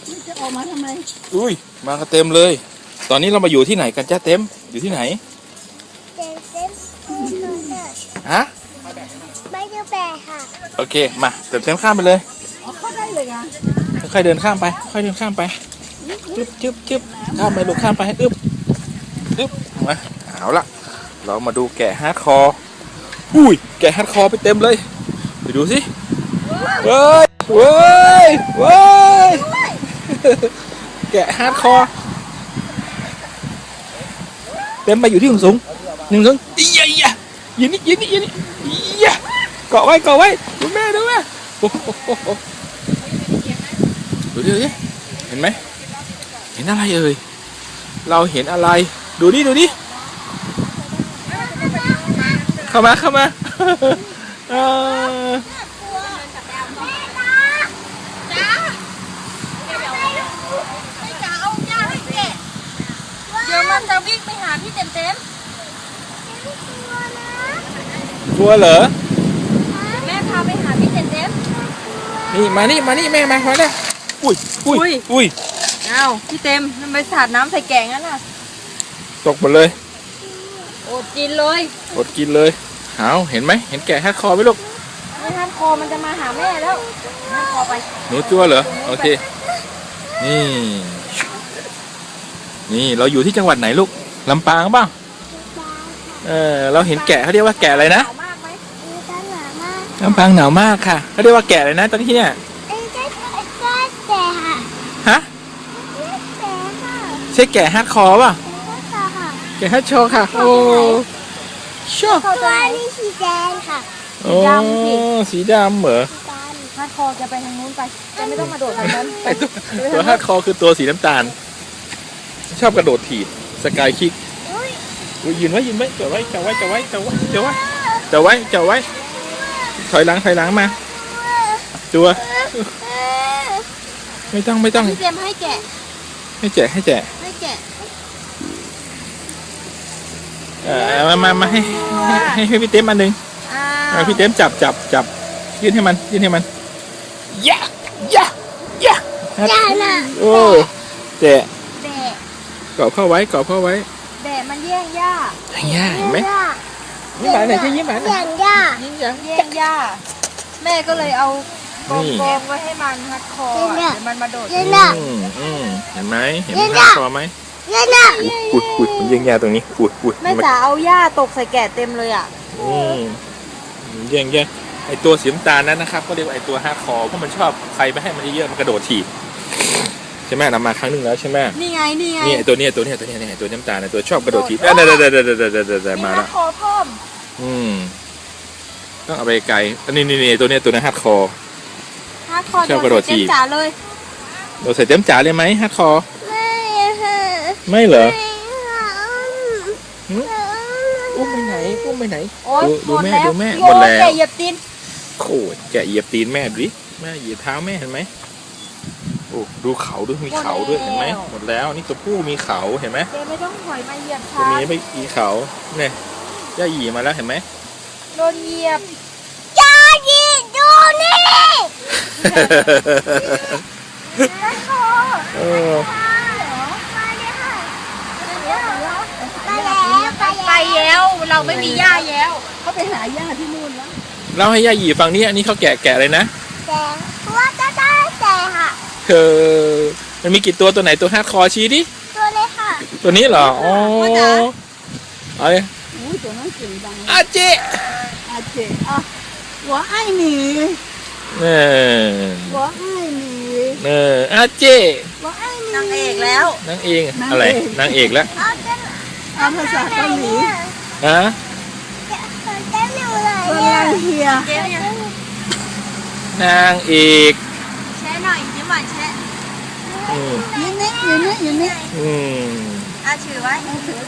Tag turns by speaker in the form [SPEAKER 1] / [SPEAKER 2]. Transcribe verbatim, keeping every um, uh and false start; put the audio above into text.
[SPEAKER 1] จะออกมาทำไม
[SPEAKER 2] อุ้ยมากันเต็มเลยตอนนี้เรามาอยู่ที่ไหนกันจ้าเต็มอยู่ที่ไหน
[SPEAKER 3] เต็มเต็ม
[SPEAKER 2] ฮะ
[SPEAKER 3] ไม่ได้แบกค่ะ
[SPEAKER 2] โอเคมาเต็มเต็มข้ามไปเลย
[SPEAKER 1] อ๋อเข้าได้เลยอ่ะ
[SPEAKER 2] ค่อยเดินข้ามไปค่อยเดินข้ามไปจึ๊บจึ๊บจึ๊บข้ามไปลูกข้ามไปอึ๊บอึ๊บมาเอาละเรามาดูแกะฮาร์ดคอร์อุ้ยแกะฮาร์ดคอร์ไปเต็มเลยไปดูสิเว้ยเว้ยเว้ยแกะฮาร์ดคอร์เต็มไปอยู่ที่หนึ่งสูงหนึ่งสูงอียอียยืนนี่ยืนนี่ยืนนี่อียเกาะไว้เกาะไว้ดูแม่ดูแม่โอ้โหดูดิดูดิเห็นไหมเห็นอะไรเอ่ยเราเห็นอะไรดูดิดูดิเข้ามาเข้ามาเออ
[SPEAKER 4] เดี๋ยวมันจะวิ่งไปหาพี่เต็มเต็ม
[SPEAKER 2] กลัวเหรอ
[SPEAKER 4] แม่พาไปหาพี่เต็มเต็ม
[SPEAKER 2] นี่มานี่มานี่แม่มามาเนี่ยอุ้ยอุ้ยอุ้ย
[SPEAKER 4] อ้าวพี่เต็มมันไปสาดน้ำใส่แกงนั่นน่ะ
[SPEAKER 2] ตกหมดเลย
[SPEAKER 4] อดกินเลย
[SPEAKER 2] อดกินเลยเอาเห็นไหมเห็นแกะฮัดคอไหมลูก
[SPEAKER 4] ไม่ฮัดคอมันจะมาหาแม่แล้วฮัดคอไป
[SPEAKER 2] หนูจั่วเหรอโอเคนี่นี่เราอยู่ที่จังหวัดไหนลูกลำปางบ้างเออเราเห็นแกะเขาเรียกว่าแกะอะไรนะลำปางหนาวมากค่ะเขาเรียกว่าแกะอะไรนะตอนที่เนี่ยฮะใช่แกะฮัดคอป่ะแกะฮัดโชค่ะโอ้โช
[SPEAKER 3] ตัวนี้สีแดงค่ะ
[SPEAKER 2] โอ้สีดำเหรอ
[SPEAKER 4] ฮัดคอจะไปทางนู้นไปจะไม่ต้องมาโดดทางนั้น
[SPEAKER 2] ตัวฮัดคอคือตัวสีน้ำตาลชอบกระโดดถีบสกายคิกยืนไว้ยืนไว้เจาะไว้เจาะไว้เจาะไว้เจาะไว้เจาะไว้เจาะไว้เจาะไว้ถอยหลังถอยหลังมาตัวไม่ต้องไม่ต้อง
[SPEAKER 4] พี่เตรียมให้แกะ
[SPEAKER 2] ให้แจกให้แจก
[SPEAKER 4] ให้แกะ
[SPEAKER 2] เออมามามาให้ให้ให้พี่เต็มอันหนึ่งพี่เต็มจับจับจับยื่นให้มันยื่นให้มันยะยะยะโอ้แจก
[SPEAKER 4] แบะ
[SPEAKER 2] กรอบเข้าไว้กรอบเข้าไว้
[SPEAKER 4] แบะมันแย่งหญ้า
[SPEAKER 2] แย่งหญ้าเห็นไหมยิ้มหวานหน่อยใช่ยิ้มหวานหน่อย
[SPEAKER 3] แย่งหญ้า
[SPEAKER 2] ยิ้มหวาน
[SPEAKER 4] แย่งหญ้าแม่ก็เลยเอากองกองไว้ให้มันฮัดคอเดี๋ยวมันมาโดด
[SPEAKER 2] อืมอืมเห็นไหมเห็นฮัดคอไหม
[SPEAKER 3] เย็นอ่ะ
[SPEAKER 2] อุ้ยอุ้ยมันแย่งหญ้าตรงนี้อุ้ยอุ้ย
[SPEAKER 4] แม่จ๋าเอาหญ้าตกใส่แกะเต็มเลยอ่ะ
[SPEAKER 2] อืมแย่งแย่งไอตัวสีน้ำตาลนั้นนะครับก็เรียกว่าไอตัวฮัดคอเพราะมันชอบใครไม่ให้มันเยอะมันกระโดดถีบใช่ไหมนำมาครั้งหนึ่งแล้วใช่ไหม
[SPEAKER 4] นี่ไงนี่ไง
[SPEAKER 2] นี่ตัวนี้ตัวนี้ตัวนี้นี่ตัวน้ำตาลตัวชอบกระโดดถีบเด้อเด้อเด้อเด้อเด้อเด้อเด้อมาแล้ว
[SPEAKER 4] คอเพิ่ม
[SPEAKER 2] อืมต้องเอาไปไกลอันนี้นี่นี่ตัวนี้ตัวนั้นฮัดคอ
[SPEAKER 4] ฮัดคอชอบกระโดดถีบจ๋าเลย
[SPEAKER 2] โดดใส่เต็มจ๋าเลยไหมฮัดคอ
[SPEAKER 3] ไม่
[SPEAKER 2] ไม่เหรออุ้มไปไหนอุ้มไปไหนดูแม่ดูแม่หมดแล้ว
[SPEAKER 4] แกะเหยียบตีน
[SPEAKER 2] โอ้ยแกะเหยียบตีนแม่ดิแม่เหยียบเท้าแม่เห็นไหมโอ้ดูเขาด้วยมีเขาด้วยเห็นไหมหมดแล้วนี่ตัวผู้มีเขาเห็นไหม
[SPEAKER 4] เจ๊ไม่ต้องถอยมาเหยียบ
[SPEAKER 2] ตัวนี้ไม่มีเขาเนี่ยย่าหยีมาแล้วเห็นไหม
[SPEAKER 4] โดนเหยียบ
[SPEAKER 3] ย่าหยีดูนี่
[SPEAKER 2] เออ
[SPEAKER 4] ไปแล้วเราไม่มีหญ้าแล้ว
[SPEAKER 1] เขาไปหาหญ้าที่นู่นแล้ว
[SPEAKER 2] เราให้ย่าหยีฟังนี่อันนี้เขาแกะแกะเลยนะ
[SPEAKER 3] แกะว่าจะได้แกะค่ะ
[SPEAKER 2] เออมันมีกี่ตัวตัวไหนตัวฮาร์ดคอร์ชี้ดิ
[SPEAKER 3] ตัวเลยค่ะ
[SPEAKER 2] ตัวนี้เหรออ๋อเอาเลย
[SPEAKER 1] อุ้ยตัวนั้นเก่งจัง
[SPEAKER 2] อาเจ
[SPEAKER 1] อาเจอ่ะหัวไอ้หนี
[SPEAKER 2] เออ
[SPEAKER 1] หัวไอ้หนี
[SPEAKER 2] เอออาเจ
[SPEAKER 1] หัวไอ้หนี
[SPEAKER 4] นางเอกแล้ว
[SPEAKER 2] นางเอกอะไรนางเอกแล้ว
[SPEAKER 1] เอาภาษาเกาหลี
[SPEAKER 2] ฮะ
[SPEAKER 1] นางเฮีย
[SPEAKER 2] นางเอก
[SPEAKER 4] แช่หน่อยยิ้มหวานแช่
[SPEAKER 1] ยืนนี่ยืนนี่ยืนนี่
[SPEAKER 2] อืม
[SPEAKER 4] อาถือไว้
[SPEAKER 1] ถือ